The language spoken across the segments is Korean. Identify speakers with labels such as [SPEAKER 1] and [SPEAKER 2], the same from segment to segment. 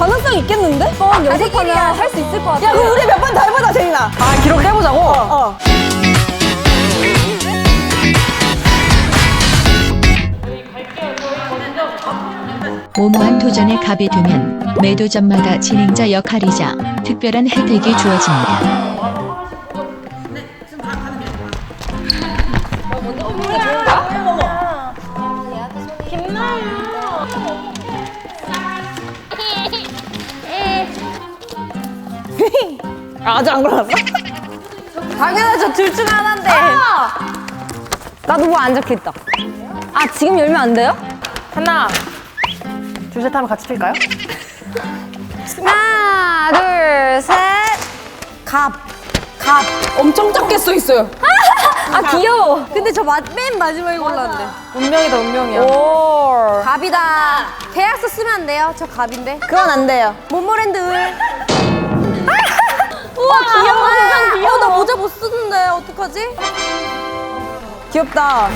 [SPEAKER 1] 가능성 있겠는데?
[SPEAKER 2] 연습하면 할 수 있을 것 같아.
[SPEAKER 1] 야, 그럼 우리 몇 번 더 해보자, 제인아.
[SPEAKER 3] 아, 기록 해보자고?
[SPEAKER 4] 모모한 도전에 갑이 되면 매 도전마다 진행자 역할이자 특별한 혜택이 주어집니다.
[SPEAKER 1] 아직 안 골랐어?
[SPEAKER 2] 당연하죠. 둘 중 하나인데.
[SPEAKER 1] 나도 뭐 안 적혀있다. 아, 지금 열면 안 돼요?
[SPEAKER 3] 하나, 둘, 셋 하면 같이 튈까요?
[SPEAKER 2] 하나, 둘, 셋. 갑.
[SPEAKER 1] 엄청 작게 써 있어요.
[SPEAKER 2] 아, 귀여워. 근데 저 맨 마지막에 골랐는데.
[SPEAKER 3] 운명이다, 운명이야.
[SPEAKER 1] 오.
[SPEAKER 2] 갑이다. 계약서 쓰면 안 돼요. 저 갑인데.
[SPEAKER 1] 그건 안 돼요.
[SPEAKER 2] 모모랜드 을. 우와, 귀여워. 세상 귀여워. 나 모자 못 쓰는데. 어떡하지?
[SPEAKER 1] 귀엽다.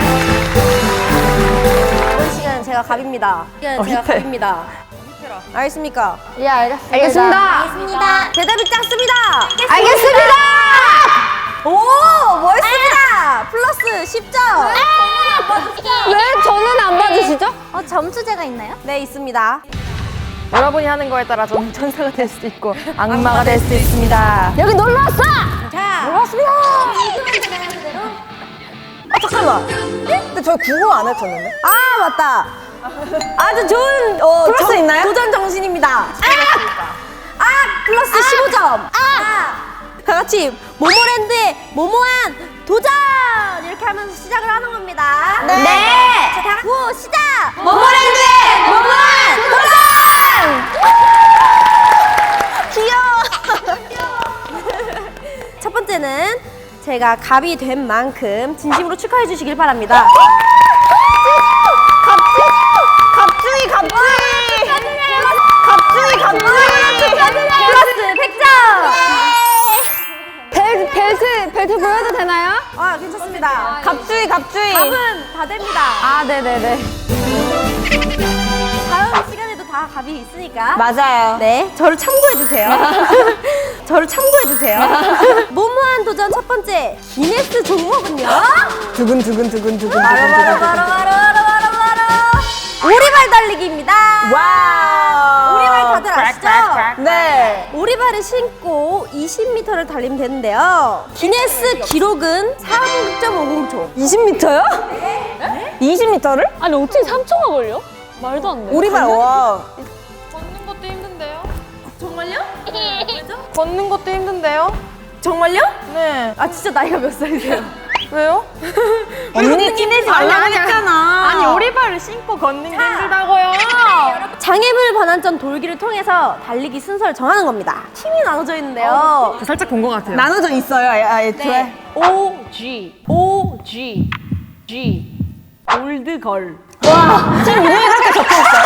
[SPEAKER 2] 이번 시간은 제가 갑입니다. 제가
[SPEAKER 3] 밑에.
[SPEAKER 2] 갑입니다. 알겠습니까?
[SPEAKER 1] 예, 알겠습니다.
[SPEAKER 2] 알겠습니다. 대답이 작습니다. 알겠습니다. 오, 멋있습니다. 플러스 10점.
[SPEAKER 1] 왜 저는 안 받으시죠?
[SPEAKER 2] 점수제가 있나요? 네, 있습니다.
[SPEAKER 3] 여러분이 하는 거에 따라 저는 천사가 될 수도 있고 악마가 될 수도 있습니다.
[SPEAKER 1] 여기 놀러 왔어!
[SPEAKER 2] 자,
[SPEAKER 1] 반갑습니다. 아, 잠깐만. 근데 저희 구호 안 했었는데?
[SPEAKER 2] 아, 맞다. 아주 좋은
[SPEAKER 1] 플러스 있나요?
[SPEAKER 2] 도전 정신입니다. 플러스 15점. 다 같이 모모랜드의 모모한 도전 이렇게 하면서 시작을 하는 겁니다.
[SPEAKER 1] 네.
[SPEAKER 2] 자, 다 같이 구호 시작. 모모랜드의 모모한 도전. 귀여워. 첫 번째는 제가 갑이 된 만큼 진심으로 축하해 주시길 바랍니다. 플러스 100점!
[SPEAKER 1] 벨트 보여도 되나요?
[SPEAKER 2] 아, 괜찮습니다.
[SPEAKER 1] 갑주의.
[SPEAKER 2] 갑은 다 됩니다.
[SPEAKER 1] 아, 네네네.
[SPEAKER 2] 다음 시간에도 다 갑이 있으니까.
[SPEAKER 1] 맞아요.
[SPEAKER 2] 네, 저를 참고해주세요. 저를 참고해주세요. 모모한 도전 첫 번째, 기네스 종목은요?
[SPEAKER 1] 두근두근.
[SPEAKER 2] 바로. 오리발 달리기입니다.
[SPEAKER 1] 와우.
[SPEAKER 2] 오리발 다들 아시죠?
[SPEAKER 1] 네.
[SPEAKER 2] 오리발을 신고 20m를 달리면 되는데요. 기네스 기록은 3.50초.
[SPEAKER 1] 20m요? 네? 20m를?
[SPEAKER 5] 아니 어떻게 3초가 걸려? 말도 안 돼.
[SPEAKER 1] 우리발, 와.
[SPEAKER 5] 걷는 것도 힘든데요?
[SPEAKER 2] 정말요?
[SPEAKER 3] 걷는 것도 힘든데요?
[SPEAKER 2] 정말요?
[SPEAKER 3] 네.
[SPEAKER 2] 아, 진짜 나이가 몇 살이세요?
[SPEAKER 3] 왜요?
[SPEAKER 1] 언니 티내지 말라고 했잖아.
[SPEAKER 3] 아니, 오리발을 신고 걷는 게 힘들다고요.
[SPEAKER 2] 장애물 반환점 돌기를 통해서 달리기 순서를 정하는 겁니다. 팀이 나눠져 있는데요.
[SPEAKER 3] 살짝 본 것 같아요.
[SPEAKER 1] 나눠져 있어요, 애초에.
[SPEAKER 5] O G 올드걸.
[SPEAKER 1] 와, 지금 이름이 그렇게 적혀있어요?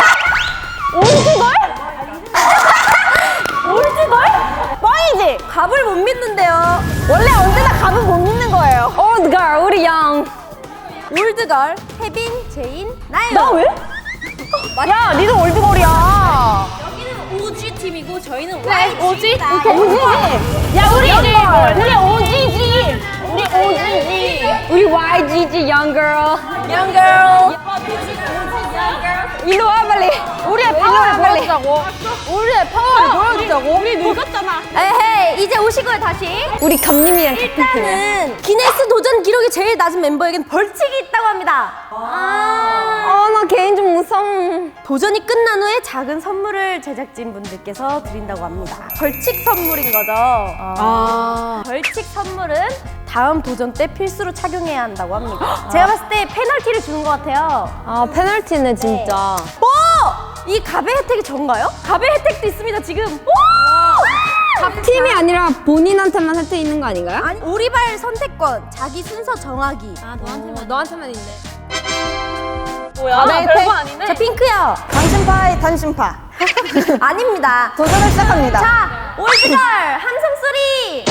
[SPEAKER 1] 올드걸? 뻥이지?
[SPEAKER 2] 갑을 못 믿는데요.
[SPEAKER 1] 원래 언제나 갑은 못 믿는 거예요. 올드걸, 우리 영.
[SPEAKER 2] 올드걸, 혜빈, 제인, 나요.
[SPEAKER 1] 나 왜? 야, 니도 올드걸이야.
[SPEAKER 2] 여기는 OG 팀이고 저희는
[SPEAKER 5] OG?
[SPEAKER 2] YG입니다.
[SPEAKER 1] 오지지? 야, 우리 오지지. 우리 YGG, young girl.
[SPEAKER 2] Young girl.
[SPEAKER 1] 일로 와, 빨리. 우리의 파워를 보여주자고.
[SPEAKER 3] 우리의 파워를 보여주자고. 우리 늙었잖아.
[SPEAKER 2] 에헤이, 이제 오시고요, 다시.
[SPEAKER 1] 우리 감님이랑
[SPEAKER 2] 일단은 기네스 도전 기록이 제일 낮은 멤버에겐 벌칙이 있다고 합니다.
[SPEAKER 1] 나 개인 좀 무서워.
[SPEAKER 2] 도전이 끝난 후에 작은 선물을 제작진 분들께서 드린다고 합니다. 벌칙 선물인 거죠. 벌칙 선물은 다음 도전 때 필수로 착용해야 한다고 합니다. 제가 봤을 때 페널티를 주는 것 같아요.
[SPEAKER 1] 아, 페널티네, 진짜.
[SPEAKER 2] 오! 이 갑의 혜택이 전가요? 갑의 혜택도 있습니다, 지금. 오!
[SPEAKER 1] 팀이 아니라 본인한테만 혜택 있는 거 아닌가요?
[SPEAKER 2] 아니, 오리발 선택권, 자기 순서 정하기.
[SPEAKER 5] 너한테만 있네.
[SPEAKER 1] 뭐야?
[SPEAKER 5] 나 별거 아니네.
[SPEAKER 2] 자, 핑크요.
[SPEAKER 1] 당신파의 단신파.
[SPEAKER 2] 아닙니다.
[SPEAKER 1] 도전을 시작합니다.
[SPEAKER 2] 자, 올드걸 함성 소리.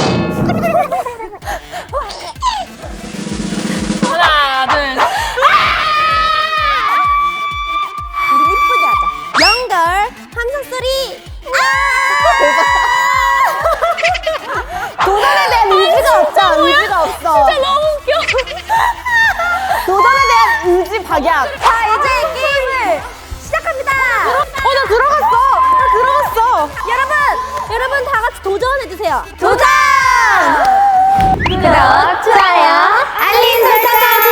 [SPEAKER 5] 하나, 둘, 셋.
[SPEAKER 2] 우리 이쁘게 하자. 영걸 함성 소리.
[SPEAKER 1] 도전에 대한 의지가 없잖아. 의지가 없어. 진짜 너무 웃겨. 도전에 대한 의지 박약.
[SPEAKER 2] 자, 이제 게임을 시작합니다.
[SPEAKER 1] 나 들어갔어.
[SPEAKER 2] 여러분 다 같이 도전해 주세요. 도전!
[SPEAKER 1] 구독, 좋아요, 알림 설정까지.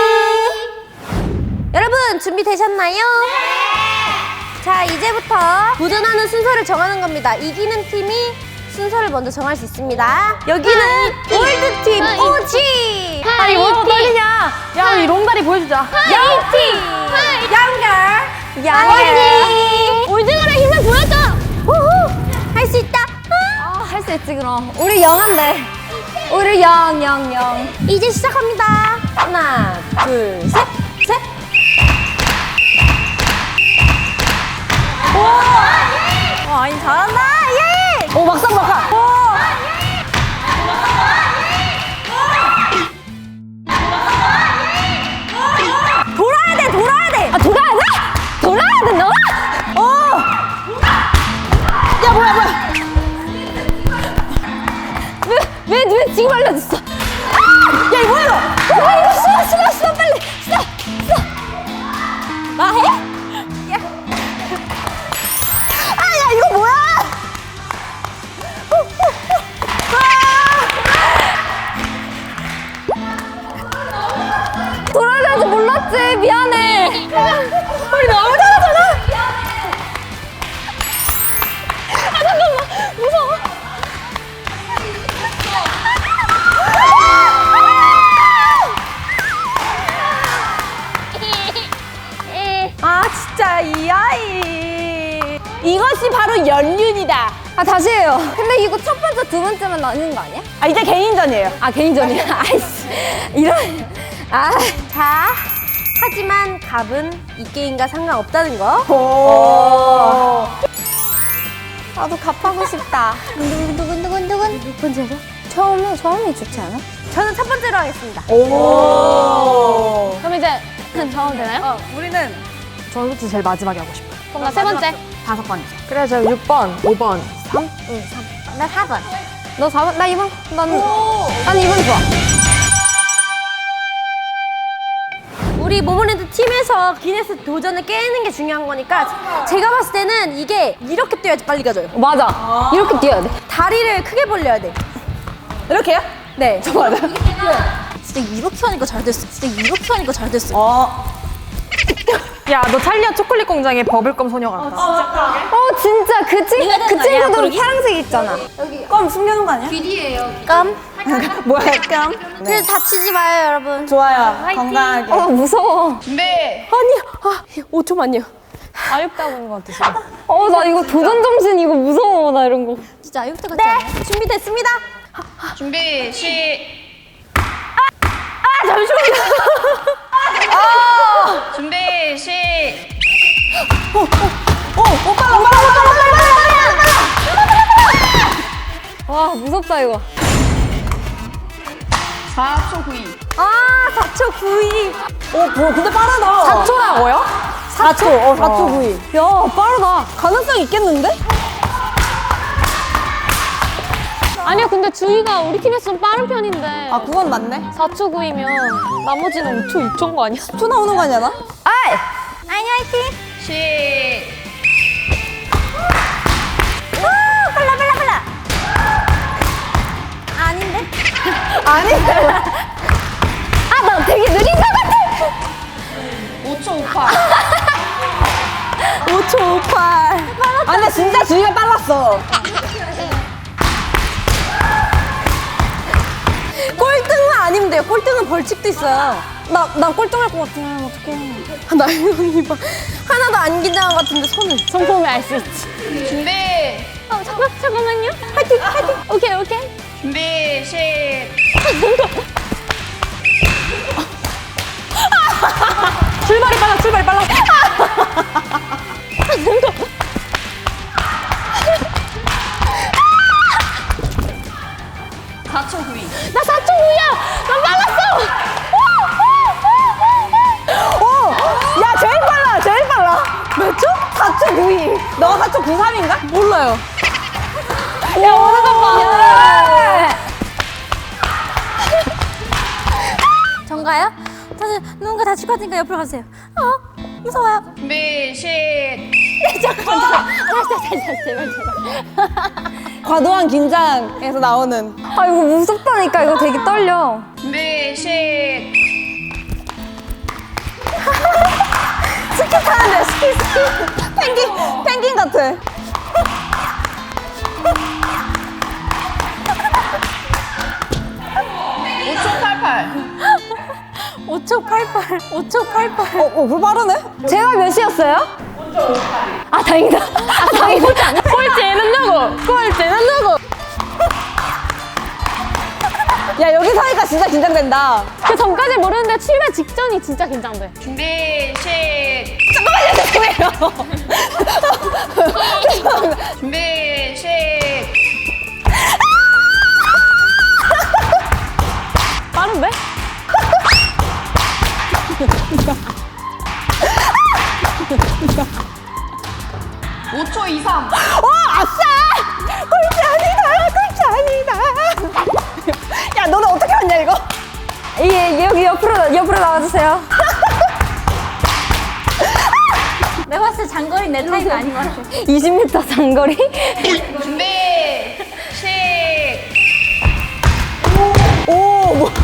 [SPEAKER 2] 여러분 준비되셨나요? 네! 자, 이제부터 도전하는 순서를 정하는 겁니다. 이기는 팀이 순서를 먼저 정할 수 있습니다. 여기는 골드팀 오지!
[SPEAKER 3] 아니 뭐가 떨리냐? 야 우리 롱다리 보여주자.
[SPEAKER 2] 영팀! 양결!
[SPEAKER 1] 양이.
[SPEAKER 2] 올드걸의 힘을 보여줘! 할 수 있다!
[SPEAKER 1] 할 수 있지 그럼. 우리 영한데. 우리 영.
[SPEAKER 2] 이제 시작합니다. 하나, 둘, 셋!
[SPEAKER 3] 아니 잘한다.
[SPEAKER 1] 오 막상.
[SPEAKER 2] 돌아야 돼!
[SPEAKER 1] 아 돌아야 된다고? 야 뭐야? 왜 지금 알려줬어? 야 이거 뭐야? 이거 수고 빨리 수고. 나 해? 야 이거 뭐야? 돌아야 될지 몰랐지. 미안해. 우리 너무 잘하잖아. 잠깐만. 무서워.
[SPEAKER 3] 아 진짜 이 아이.
[SPEAKER 1] 이것이 바로 연륜이다. 아 다시 해요. 근데 이거 첫 번째, 두 번째만 나뉘는 거 아니야? 아 이제 개인전이에요. 아 개인전이야. 아이씨. 이런. 아.
[SPEAKER 2] 자, 하지만 갑은 이 게임과 상관없다는 거.
[SPEAKER 1] 오. 나도 갑하고 싶다.
[SPEAKER 2] 두근두근. 몇 번째죠?
[SPEAKER 1] 처음이 좋지 않아?
[SPEAKER 2] 저는 첫 번째로 하겠습니다.
[SPEAKER 1] 오.
[SPEAKER 5] 그럼 이제 정하면 되나요?
[SPEAKER 3] 우리는 저부터 제일 마지막에 하고 싶어.
[SPEAKER 5] 그럼 나 세 번째.
[SPEAKER 3] 5번이죠. 그래 저 6번, 5번, 3.
[SPEAKER 2] 나 4번.
[SPEAKER 1] 너 4번? 나 2번? 난 2번 좋아.
[SPEAKER 2] 우리 모모랜드 팀에서 기네스 도전을 깨는 게 중요한 거니까 제가 봤을 때는 이게 이렇게 뛰어야지 빨리 가져요.
[SPEAKER 1] 맞아. 이렇게 뛰어야 돼.
[SPEAKER 2] 다리를 크게 벌려야 돼.
[SPEAKER 1] 이렇게요?
[SPEAKER 2] 네.
[SPEAKER 1] 저 맞아.
[SPEAKER 2] 진짜 이렇게 하니까 잘 됐어.
[SPEAKER 3] 야 너 찰리아 초콜릿 공장의 버블껌 소녀 같다.
[SPEAKER 1] 진짜 그 친구들
[SPEAKER 2] 그러게.
[SPEAKER 1] 파란색 있잖아.
[SPEAKER 3] 껌 숨겨놓은 거 아니야?
[SPEAKER 2] 깜.
[SPEAKER 3] 뭐야 껌?
[SPEAKER 2] 그래도 다치지 마요, 여러분.
[SPEAKER 3] 좋아요. 건강하게.
[SPEAKER 1] 무서워.
[SPEAKER 2] 아니, 5초만요.
[SPEAKER 5] 아육다군 것 같아.
[SPEAKER 1] 나 이거 도전 정신 이거 무서워. 나 이런 거.
[SPEAKER 2] 진짜 아육대 같지 않아요? 준비됐습니다.
[SPEAKER 5] 준비 시. 준비 시.
[SPEAKER 1] 와 무섭다 이거.
[SPEAKER 5] 4초 9위.
[SPEAKER 2] 4초 9위.
[SPEAKER 1] 근데 빠르다.
[SPEAKER 3] 4초라고요?
[SPEAKER 1] 4초 9위. 야 빠르다. 가능성 있겠는데?
[SPEAKER 5] 아니야, 근데 주희가 우리 팀에서 좀 빠른 편인데.
[SPEAKER 1] 그건 맞네.
[SPEAKER 5] 4초 9이면 나머지는 5초 6초인 거 아니야?
[SPEAKER 1] 10초 나오는 거 아니야 나? 아이.
[SPEAKER 2] 아니, 화이팅.
[SPEAKER 5] 시.
[SPEAKER 2] 빨라. 아닌데?
[SPEAKER 1] 나 되게 느린 것 같아.
[SPEAKER 5] 5초 58.
[SPEAKER 1] 5초 58. 근데 진짜 주희가 빨랐어.
[SPEAKER 2] 꼴등은 아니면 돼요. 꼴등은 벌칙도 있어요.
[SPEAKER 1] 나 꼴등할 것 같아. 어떡해.
[SPEAKER 2] 나윤이 봐. 하나도 안 긴장한 것 같은데 손을.
[SPEAKER 5] 손 보면 알 수 있지. 준비. 잠깐만요.
[SPEAKER 2] 화이팅.
[SPEAKER 5] 오케이. 준비 시.
[SPEAKER 3] 출발이 빨라.
[SPEAKER 5] 4초 9위.
[SPEAKER 2] 나 4초 9야. 나 빨랐어.
[SPEAKER 1] 야 제일 빨라. 몇 초? 4초 92. 너가 4초 93인가?
[SPEAKER 3] 몰라요.
[SPEAKER 1] 야, 오는 거 봐.
[SPEAKER 2] 전가요? 다들 누군가 다칠 것 같으니까 옆으로 가세요. 무서워요.
[SPEAKER 1] 과도한 긴장에서 나오는. 아, 이거 무섭다니까. 이거 되게 떨려. 스키 타는데, 스키. 펭귄 같아.
[SPEAKER 2] 5초 88. 5초 88.
[SPEAKER 1] 그거 빠르네? 제가 몇 시였어요? 아, 다행이다. 아, 다행이다.
[SPEAKER 3] 꼴찌는 누구? 꼴찌는 누구?
[SPEAKER 1] 야, 여기 서니까 진짜 긴장된다.
[SPEAKER 5] 그 전까지 모르는데 출발 직전이 진짜 긴장돼. 빠른데?
[SPEAKER 1] 야, 너는 어떻게 왔냐, 이거? 여기 옆으로 나와주세요.
[SPEAKER 2] 내가 봤을 때 장거리 내 타입이 아닌 것 같아.
[SPEAKER 1] 20m 장거리? 오, 뭐.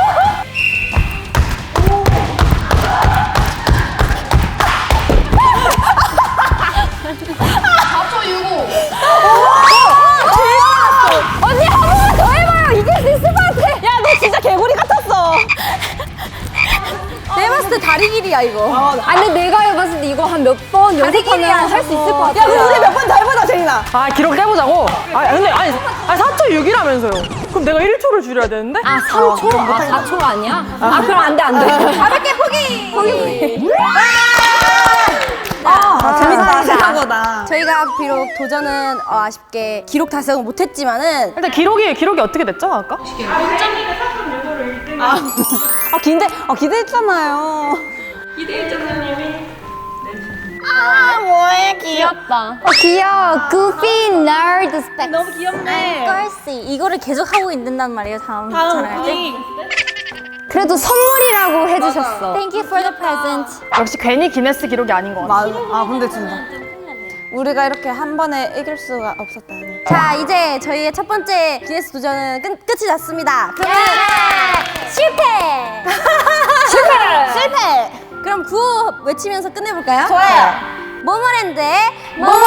[SPEAKER 1] 언니, 한 번만 더 해봐요. 이길 수 있을 것 같아. 야, 너 진짜 개구리 같았어.
[SPEAKER 2] 내가 봤을 때 다리 길이야 이거.
[SPEAKER 1] 아니, 내가 해봤을 때 이거 한 몇 번 연습하면 할 수 있을 것 같아. 야, 그럼 우리 몇 번 더 해보자, 재민아.
[SPEAKER 3] 아, 기록 깨보자고? 근데 4초 6이라면서요. 그럼 내가 1초를 줄여야 되는데?
[SPEAKER 1] 아, 3초? 아, 4초가 아니야? 아, 그럼 안 돼, 안 돼.
[SPEAKER 2] 가볍게 포기.
[SPEAKER 1] 재밌다, 생각보다.
[SPEAKER 2] 저희가 비록 도전은 아쉽게 기록 달성은 못했지만은
[SPEAKER 3] 일단 기록이 어떻게 됐죠, 아까?
[SPEAKER 1] 기대했잖아요.
[SPEAKER 5] 귀엽다.
[SPEAKER 1] 귀여워. Goofy Nerd Specs.
[SPEAKER 2] 너무 귀엽네. 걸씨 이거를 계속 하고 있는단 말이에요. 다음 촬영할 때.
[SPEAKER 1] 그래도 선물이라고 해주셨어.
[SPEAKER 2] Thank you for the present.
[SPEAKER 3] 역시 괜히 기네스 기록이 아닌 것 같아.
[SPEAKER 1] 근데 진짜. 우리가 이렇게 한 번에 이길 수가 없었다니.
[SPEAKER 2] 자 이제 저희의 첫 번째 기네스 도전은 끝이 났습니다. 그러면 실패. 실패. 그럼 구호 외치면서 끝내볼까요?
[SPEAKER 1] 좋아요.
[SPEAKER 2] 모모랜드의 모모